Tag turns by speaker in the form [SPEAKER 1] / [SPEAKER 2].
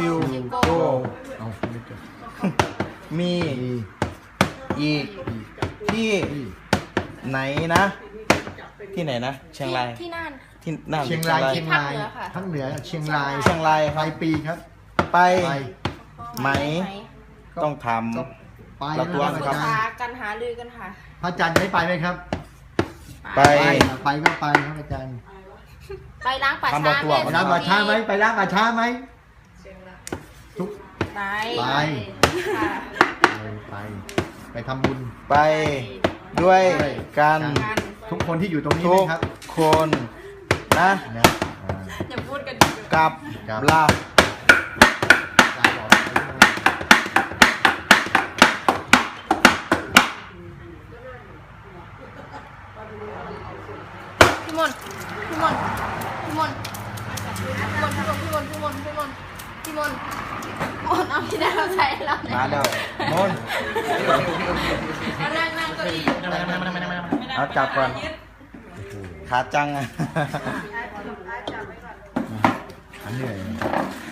[SPEAKER 1] ชิวโก
[SPEAKER 2] เอาไม่จบ
[SPEAKER 1] มีอีกที่ไหนนะ ที่ไหนนะเชียงราย
[SPEAKER 3] ที่น่าน
[SPEAKER 1] ที่น่าน
[SPEAKER 2] เชียงราย
[SPEAKER 3] เชียงราย
[SPEAKER 2] ทั้งเหนือเชียงราย
[SPEAKER 1] เชียงรายค
[SPEAKER 2] ป
[SPEAKER 1] รั
[SPEAKER 2] ลา
[SPEAKER 1] บ
[SPEAKER 2] ยปีครับ
[SPEAKER 1] ไป
[SPEAKER 2] ไป
[SPEAKER 1] ไหมต้องท
[SPEAKER 2] ก็ไป
[SPEAKER 1] เราตัว
[SPEAKER 2] นะ
[SPEAKER 1] ค
[SPEAKER 2] ค
[SPEAKER 1] รั
[SPEAKER 2] รับ บ
[SPEAKER 3] หากันหาลือกันค่ะ
[SPEAKER 2] พระอาจารย์ไม่ไปไหมครับ
[SPEAKER 1] ำไป
[SPEAKER 2] ไปก็ไปครับอาจารย์
[SPEAKER 3] ไปล้างป่า
[SPEAKER 1] ทำบ่
[SPEAKER 3] ช้า
[SPEAKER 1] อตัว
[SPEAKER 2] ไปล้างป่าช้าไหมไปล้างป่าช้าไหมทุก
[SPEAKER 3] ไป
[SPEAKER 2] ไป
[SPEAKER 3] ค่ะ
[SPEAKER 2] ไปทำบุญ
[SPEAKER 1] ไปด้วยกัน
[SPEAKER 3] กัน
[SPEAKER 2] ทุกคนที่อยู่ตรงนี้
[SPEAKER 1] ทุก
[SPEAKER 2] นะครับ
[SPEAKER 1] คนนะ
[SPEAKER 2] นะอ่า
[SPEAKER 3] อย่าพูดกัน
[SPEAKER 1] กับ
[SPEAKER 2] ครับ
[SPEAKER 1] ลา
[SPEAKER 2] อาจารย์บอก
[SPEAKER 3] พี่มนพี่มนพี่มนพี่มนพี่มนพี่มนพี่มนเอาพี่ดาวใส่เราเนี่ย
[SPEAKER 1] มาแล้วมน
[SPEAKER 3] นั่งเก้าอี้
[SPEAKER 1] เอาจับก่อนขาจังอ่ะ
[SPEAKER 2] เหนื่อย